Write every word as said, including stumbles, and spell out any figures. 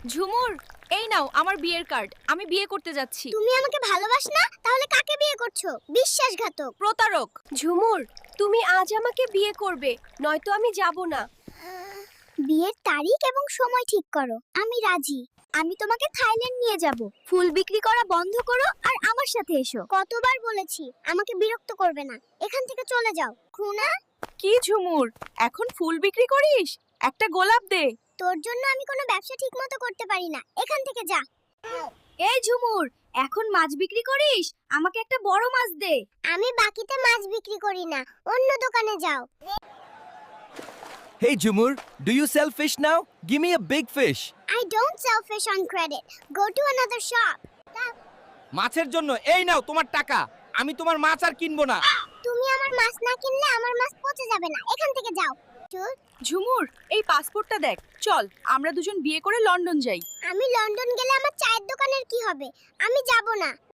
ঝুমুর, এই নাও আমার বিয়ের কার্ড। আমি বিয়ে করতে যাচ্ছি। তুমি আমাকে ভালোবাস না, তাহলে কাকে বিয়ে করছো? বিশ্বাসঘাতক। প্রতারক। ঝুমুর, তুমি আজ আমাকে বিয়ে করবে, নয়তো আমি যাব না। বিয়ের তারিখ এবং সময় ঠিক করো। আমি রাজি। আমি তোমাকে থাইল্যান্ড নিয়ে যাব। ফুল বিক্রি করা বন্ধ করো আর আমার সাথে এসো। কতবার বলেছি আমাকে বিরক্ত করবে না। এখান থেকে চলে যাও। খুনা, কি ঝুমুর, এখন ফুল বিক্রি করিস? একটা গোলাপ দে। তোর জন্য আমি কোনো ব্যবসা ঠিকমতো করতে পারি না। এখান থেকে যা। এই ঝুমুর, এখন মাছ বিক্রি করিস? আমাকে একটা বড় মাছ দে। আমি বাকিতে মাছ বিক্রি করি না। অন্য দোকানে যাও। Hey Jumur, do you sell fish now? Give me a big fish. I don't sell fish on credit. Go to another shop. মাছের জন্য এই নাও তোমার টাকা। আমি তোমার মাছ আর কিনবো না। তুমি আমার মাছ না কিনলে আমার মাছ পচে যাবে না। এখান থেকে যাও। চুপ। ঝুমুর, এই পাসপোর্টটা দেখ। চল আমরা দুজন বিয়ে করে লন্ডন যাই। আমি লন্ডন গেলে আমার চায়ের দোকানের কি হবে? আমি যাব না।